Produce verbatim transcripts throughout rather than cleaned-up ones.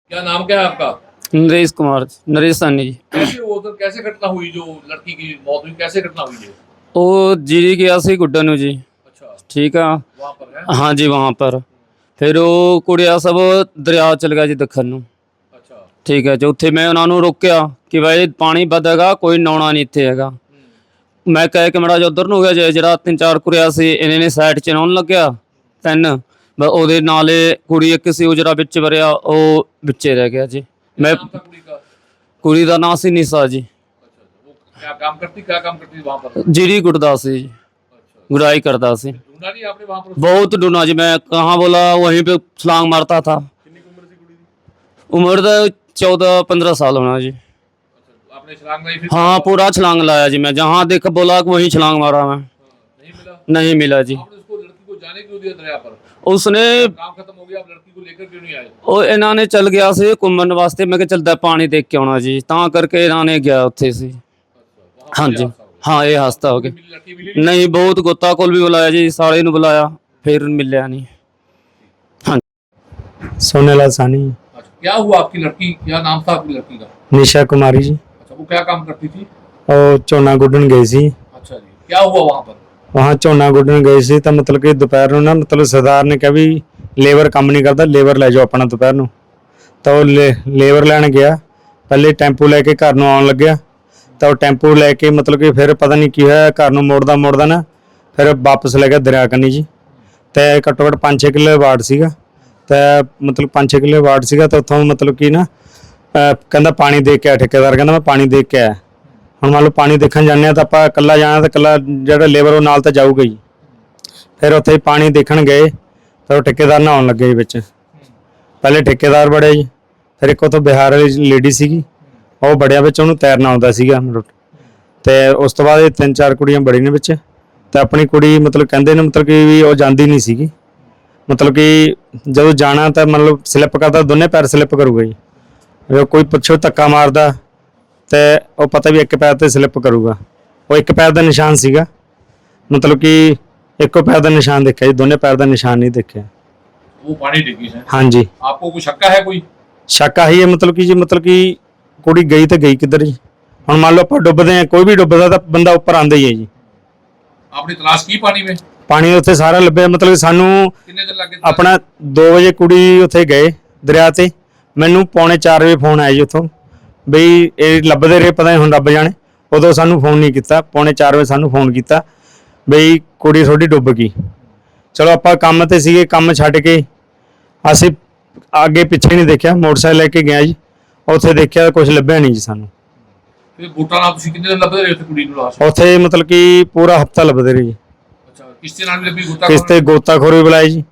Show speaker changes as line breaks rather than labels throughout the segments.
क्या नाम क्या है आपका?
नरेश कुमार, नरेश सानी जी।
कैसे वो उधर कैसे घटना हुई जो लड़की की मौत हुई, कैसे घटना हुई है?
ਉਹ ਜੀ ਗਿਆ ਸੀ ਗੁੱਡਣ ਨੂੰ ਜੀ,
अच्छा,
ਠੀਕ ਆ।
वहाँ पर है।
हाँ जी, वहाँ पर ਫਿਰ ਉਹ ਕੁੜੀਆ ਸਭ ਦਰਿਆ ਚਲ ਗਿਆ ਜੀ ਦੱਖਣ ਨੂੰ,
अच्छा,
ਠੀਕ ਹੈ ਜੀ। ਉੱਥੇ ਮੈਂ ਉਹਨਾਂ ਨੂੰ ਰੋਕਿਆ ਕਿ ਬਾਈ ਪਾਣੀ ਵਧੇਗਾ, ਕੋਈ ਨਹਾਉਣਾ ਨਹੀਂ ਇੱਥੇ ਹੈਗਾ। ਮੈਂ ਕਹਿ ਕੇ ਮੜਾ ਜਿਹਾ ਉੱਧਰ ਨੂੰ ਹੋ ਗਿਆ ਜੇ ਜਿਹੜਾ ਤਿੰਨ ਚਾਰ ਕੁੜੀਆ ਸੀ ਇਹਨੇ ਨੇ ਸਾਈਡ 'ਚ ਨਹਾਉਣ ਲੱਗਿਆ ਤਿੰਨ, ਬਸ ਉਹਦੇ ਨਾਲੇ ਕੁੜੀ ਇੱਕ ਸੀ ਉਹ ਜਿਹੜਾ ਵਿੱਚ ਵਰਿਆ ਉਹ ਵਿੱਚੇ ਰਹਿ ਗਿਆ ਜੀ।
क्या
ਮੈਂ
नाम था कुड़ी का?
ਕੁੜੀ ਦਾ ਨਾਂ ਸੀ ਨਿਸ਼ਾ ਜੀ,
अच्छा, वो क्या काम करती क्या काम करती थी वहाँ पर?
ਜਿਹੜੀ ਗੁੱਟਦਾ ਸੀ ਜੀ,
अच्छा,
गुराई करता ਸੀ।
ढूंढा नहीं आपने वहाँ पर?
बहुत ढूंढा जी, मैं कहाँ बोला वहीं पे छलांग मारता था।
कितनी उम्र थी कुड़ी की?
उम्र तो चौदह पंद्रह साल होना जी।
अच्छा, आपने छलांग लगाई फिर?
हाँ, पूरा छलांग लाया जी, मैं जहाँ देख बोला वहीं छलांग मारा मैं।
हाँ, नहीं मिला?
नहीं मिला जी।
आपने उसको लड़की को जाने क्यों दिया दरिया पर?
उसने
काम खत्म हो गया, आप लड़की को लेकर क्यों नहीं आए?
ਉਹ ਇਹਨਾਂ ਨੇ ਚੱਲ ਗਿਆ ਸੀ ਘੁੰਮਣ ਵਾਸਤੇ, ਮੈਂ ਕਿਹਾ ਚੱਲਦਾ ਪਾਣੀ ਦੇਖ ਕੇ ਆਉਣਾ ਜੀ, ਤਾਂ ਕਰਕੇ ਇਹਨਾਂ ਨੇ ਗਿਆ ਉੱਥੇ ਸੀ।
अच्छा, वहाँ
हाँ
पर
जी,
ये हादसा हो गया।
हाँ ये हादसा हो गया।
मिली लड़की मिली नहीं?
नहीं, बहुत गोता कोल भी बुलाया जी, साले ਨੂੰ बुलाया फिर मिलिया नहीं।
सोनेलाल सानी,
अच्छा, क्या हुआ आपकी लड़की, क्या नाम था आपकी लड़की का?
निशा कुमारी जी।
अच्छा, वो क्या काम करती थी?
और ਝੋਨਾ ਗੁੱਡਣ ਗਈ ਸੀ।
अच्छा जी, क्या हुआ वहाँ पर?
वहाँ ਝੋਨਾ ਗੁੱਡਣ ਗਏ ਸੀ ਤਾਂ ਮਤਲਬ ਕਿ ਦੁਪਹਿਰ ਨੂੰ ਨਾ ਮਤਲਬ ਸਰਦਾਰ ਨੇ ਕਿਹਾ ਵੀ ਲੇਬਰ ਕੰਮ ਨਹੀਂ ਕਰਦਾ, ਲੇਬਰ ਲੈ ਜਾਓ ਆਪਣਾ ਦੁਪਹਿਰ ਨੂੰ। ਤਾਂ ਉਹ ਲੇਬਰ ਲੈਣ ਗਿਆ, ਪਹਿਲੇ ਟੈਂਪੂ ਲੈ ਕੇ ਘਰ ਨੂੰ ਆਉਣ ਲੱਗਿਆ ਤਾਂ ਉਹ ਟੈਂਪੂ ਲੈ ਕੇ ਮਤਲਬ ਕਿ ਫਿਰ ਪਤਾ ਨਹੀਂ ਕੀ ਹੋਇਆ, ਘਰ ਨੂੰ ਮੋੜਦਾ ਮੋੜਦਾ ਨਾ ਫਿਰ ਵਾਪਸ ਲੈ ਗਿਆ ਦਰਿਆ ਕੰਨੀ ਜੀ। ਤੇ ਘੱਟੋ ਘੱਟ ਪੰਜ ਛੇ ਕਿੱਲੇ ਵਾਰਡ ਸੀਗਾ, ਤੇ ਮਤਲਬ ਪੰਜ ਛੇ ਕਿੱਲੇ ਵਾਰਡ ਸੀਗਾ ਤਾਂ ਉੱਥੋਂ ਮਤਲਬ ਕਿ ਨਾ ਅਹ ਕਹਿੰਦਾ ਪਾਣੀ ਦੇਖ ਕੇ ਆ, ਠੇਕੇਦਾਰ ਕਹਿੰਦਾ ਮੈਂ ਪਾਣੀ ਦੇਖ ਕੇ ਆਇਆ। ਹੁਣ ਮੰਨ ਲਓ ਪਾਣੀ ਦੇਖਣ ਜਾਂਦੇ ਹਾਂ ਤਾਂ ਆਪਾਂ ਇਕੱਲਾ ਜਾਣਾ ਤਾਂ ਇਕੱਲਾ ਜਿਹੜਾ ਲੇਬਰ ਉਹ ਨਾਲ ਤਾਂ ਜਾਊਗਾ ਹੀ। ਫਿਰ ਉੱਥੇ ਪਾਣੀ ਦੇਖਣ ਗਏ ਤਾਂ ਉਹ ਠੇਕੇਦਾਰ ਨਹਾਉਣ ਲੱਗੇ ਜੀ ਵਿੱਚ। ਪਹਿਲੇ ਠੇਕੇਦਾਰ ਬੜਿਆ ਜੀ, ਫਿਰ ਇੱਕ ਉੱਥੋਂ ਬਿਹਾਰ ਵਾਲੀ ਲੇਡੀ ਸੀਗੀ ਉਹ ਬੜਿਆ ਵਿੱਚ, ਉਹਨੂੰ ਤੈਰਨਾ ਆਉਂਦਾ ਸੀਗਾ। ਤੇ ਉਸ ਤੋਂ ਬਾਅਦ ਇਹ ਤਿੰਨ ਚਾਰ ਕੁੜੀਆਂ ਬੜੀ ਨੇ ਵਿੱਚ, ਤੇ ਆਪਣੀ ਕੁੜੀ ਮਤਲਬ ਕਹਿੰਦੇ ਨੇ ਮਤਲਬ ਕਿ ਵੀ ਉਹ ਜਾਂਦੀ ਨਹੀਂ ਸੀਗੀ, ਮਤਲਬ ਕਿ ਜਦੋਂ ਜਾਣਾ ਤਾਂ ਮਤਲਬ ਸਲਿੱਪ ਕਰਦਾ, ਦੋਨੇ ਪੈਰ ਸਲਿੱਪ ਕਰੂਗਾ ਜੀ। ਜੇ ਕੋਈ ਪਿੱਛੋਂ ਧੱਕਾ ਮਾਰਦਾ ਤੇ ਉਹ ਪਤਾ ਵੀ ਇੱਕ ਪੈਰ ਤੇ ਸਲਿੱਪ ਕਰੂਗਾ। ਉਹ ਇੱਕ ਪੈਰ ਦਾ ਨਿਸ਼ਾਨ ਸੀਗਾ, ਮਤਲਬ ਕਿ ਇੱਕੋ ਪੈਰ ਦਾ ਨਿਸ਼ਾਨ ਦੇਖਿਆ ਜੀ, ਦੋਨੇ ਪੈਰ ਦਾ ਨਿਸ਼ਾਨ ਨਹੀਂ ਦੇਖਿਆ।
वो पानी डिग्गी है।
हाँ जी,
आपको कोई शक्का है कोई?
ਸ਼ੱਕ ਆਹੀ ਹੈ ਮਤਲਬ ਕਿ ਜੀ ਮਤਲਬ ਕਿ ਕੁੜੀ ਗਈ ਤਾਂ ਗਈ ਕਿੱਧਰ ਜੀ। ਹੁਣ ਮੰਨ ਲਓ ਆਪਾਂ ਡੁੱਬਦੇ ਹਾਂ, ਕੋਈ ਵੀ ਡੁੱਬਦਾ ਤਾਂ ਬੰਦਾ ਉੱਪਰ ਆਉਂਦਾ ਹੀ ਹੈ ਜੀ।
आपने तलाश की पानी में?
ਪਾਣੀ ਉੱਥੇ ਸਾਰਾ ਲੱਭਿਆ, ਮਤਲਬ ਕਿ ਸਾਨੂੰ
कितने दिन लगे?
ਆਪਣਾ ਦੋ ਵਜੇ ਕੁੜੀ ਉੱਥੇ ਗਏ ਦਰਿਆ ਤੇ, ਮੈਨੂੰ ਪੌਣੇ ਚਾਰ ਵਜੇ ਫੋਨ ਆਇਆ ਜੀ ਉੱਥੋਂ ਬਈ ਇਹ ਲੱਭਦੇ ਰਹੇ, ਪਤਾ ਨਹੀਂ ਹੁਣ ਰੱਬ ਜਾਣੇ। ਉਦੋਂ ਸਾਨੂੰ ਫੋਨ ਨਹੀਂ ਕੀਤਾ, ਪੌਣੇ ਚਾਰ ਵਜੇ ਸਾਨੂੰ ਫੋਨ ਕੀਤਾ ਬਈ ਕੁੜੀ ਤੁਹਾਡੀ ਡੁੱਬ ਗਈ। ਚਲੋ ਆਪਾਂ ਕੰਮ ਤੇ ਸੀਗੇ, ਕੰਮ ਛੱਡ ਕੇ ਅਸੀਂ ਅੱਗੇ ਪਿੱਛੇ ਨਹੀਂ ਦੇਖਿਆ, ਮੋਟਰਸਾਈਕਲ ਲੈ ਕੇ ਗਿਆ ਜੀ। ਉੱਥੇ ਦੇਖਿਆ ਕੁਝ ਲੱਭਿਆ ਨਹੀਂ ਜੀ ਸਾਨੂੰ।
फिर बूटा नाल तुसी कितने दिन लभदे रहे उत्थे कुड़ी नूं लाश?
ਉੱਥੇ ਮਤਲਬ ਕਿ ਪੂਰਾ ਹਫਤਾ ਲੱਭਦੇ ਰਹੇ ਜੀ।
अच्छा, किसते नाल भी लभी गुत्ता?
ਕਿਸ ਤੇ ਗੋਤਾਖੋਰ ਵੀ ਬੁਲਾਏ ਜੀ,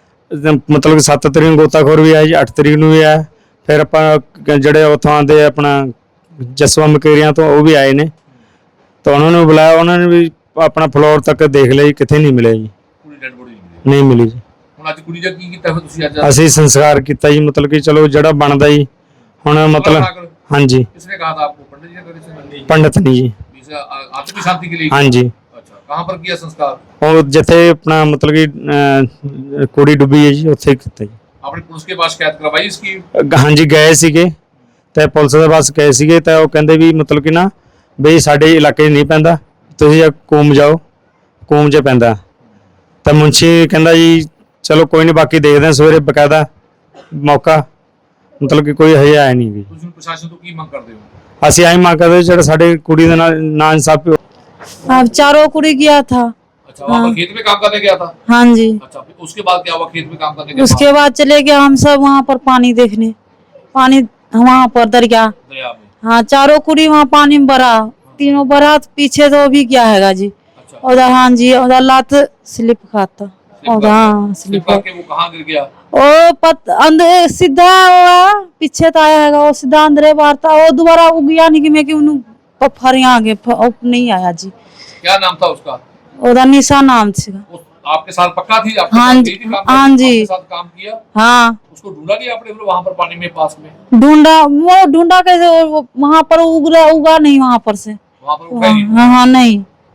ਮਤਲਬ ਕਿ ਸੱਤ ਤਰੀਕ ਨੂੰ ਗੋਤਾਖੋਰ ਵੀ ਆਇਆ ਜੀ, ਅੱਠ ਤਰੀਕ ਨੂੰ ਵੀ ਆਇਆ। ਫਿਰ ਆਪਾਂ ਜਿਹੜੇ ਉੱਥੋਂ ਆਉਂਦੇ ਆਪਣਾ ਜਸਵਾ ਮਕੇਰੀਆਂ ਤੋਂ ਉਹ ਵੀ ਆਏ ਨੇ, ਤਾਂ ਉਹਨਾਂ ਨੂੰ ਬੁਲਾਇਆ, ਉਹਨਾਂ ਨੇ ਵੀ ਆਪਣਾ ਫਲੋਰ ਤੱਕ ਦੇਖ ਲਿਆ ਜੀ, ਕਿਤੇ ਨਹੀਂ ਮਿਲਿਆ ਜੀ,
कुड़ी डेड बॉडी नहीं मिली।
ਨਹੀਂ ਮਿਲੀ ਜੀ।
ਹੁਣ ਅੱਜ ਕੁੜੀ ਦਾ ਕੀ ਕੀਤਾ ਫਿਰ ਤੁਸੀਂ ਅੱਜ?
ਅਸੀਂ ਸੰਸਕਾਰ ਕੀਤਾ ਜੀ, ਮਤਲਬ ਕਿ ਚਲੋ ਜਿਹੜਾ ਬਣਦਾ ਜੀ ਹੁਣ ਮਤਲਬ। ਹਾਂਜੀ,
किसने कहा था आपको? पंडित जी ने करे थे?
ਪੰਡਤ ਨਹੀਂ ਜੀ।
इसे आत्मिक शांति के लिए?
ਹਾਂਜੀ,
अच्छा, कहाँ पर किया संस्कार?
ਉਹ ਜਿੱਥੇ ਆਪਣਾ ਮਤਲਬ ਕਿ ਅਹ, ਕੁੜੀ ਡੁੱਬੀ ਹੈ ਜੀ ਉੱਥੇ ਕੀਤਾ ਜੀ।
आपने पुलिस के पास शिकायत करवाई इसकी?
ਅਹ, ਹਾਂਜੀ ਗਏ ਸੀਗੇ ਤੇ ਪੁਲਿਸ ਦੇ ਪਾਸ ਗਏ ਸੀਗੇ ਤਾਂ ਉਹ ਕਹਿੰਦੇ ਵੀ ਮਤਲਬ ਕਿ ਨਾ ਬਈ ਸਾਡੇ ਇਲਾਕੇ 'ਚ ਨਹੀਂ ਪੈਂਦਾ, ਤੁਸੀਂ ਕੂਮ ਜਾਓ, ਕੂਮ 'ਚ ਪੈਂਦਾ। ਤਾਂ ਮੁੰਸ਼ੀ ਕਹਿੰਦਾ ਜੀ ਚਲੋ ਕੋਈ ਨਹੀਂ, ਬਾਕੀ ਦੇਖਦੇ ਹਾਂ ਸਵੇਰੇ ਬਕਾਇਦਾ ਮੌਕਾ, ਮਤਲਬ ਕਿ ਕੋਈ ਹਜੇ ਆਇਆ ਨਹੀਂ ਜੀ।
ਤੁਸੀਂ ਹੁਣ ਪ੍ਰਸ਼ਾਸਨ ਤੋਂ ਕੀ ਮੰਗ ਕਰਦੇ ਹੋ?
ਅਸੀਂ ਆਈ ਮੰਗ ਕਰਦੇ ਜਿਹੜਾ ਸਾਡੇ ਕੁੜੀ ਦੇ ਨਾਲ ਨਾ ਇਨਸਾਫੀ।
अब चारों कुड़ी गया था।
अच्छा, वहाँ पर खेत में काम करने गया था?
हाँ जी,
अच्छा, फिर उसके बाद क्या हुआ? खेत में काम करने के
उसके बाद चले गए हम सब वहाँ पर पानी देखने, पानी वहाँ पर दरिया।
बाद दरिया में?
हाँ, चारों कुड़ी वहाँ पानी में भरा, तीनों भरा, पीछे तो भी क्या हैगा जी
अच्छा,
उधर। हाँ जी, उधर लात स्लिप खाता
स्लिप
उधर। हाँ,
स्लिप
स्लिप
करके वो कहाँ गिर गया?
ओ पत अंदर सीधा हुआ, पीछे तो आया हैगा वो सीधा अंदर बार था, वो दोबारा उग गया नहीं कि मैं कि उन्होंने पफर यहाँ आगे नहीं आया जी।
क्या नाम था उसका?
उधर निशा नाम से।
उस आपके साथ पक्का थी? आपके
हाँ
साथ
जी,
गई थी काम
हाँ
करने?
जी।
आपके साथ काम किया?
हाँ,
उसको ढूंढा नहीं आपने फिर वहाँ पर पानी में पास में?
ढूंढा, वो ढूंढा कैसे, वो वहां पर उग रहा उगा नहीं वहां पर से।
वहाँ पर उठा ही नहीं?
हाँ हाँ नहीं।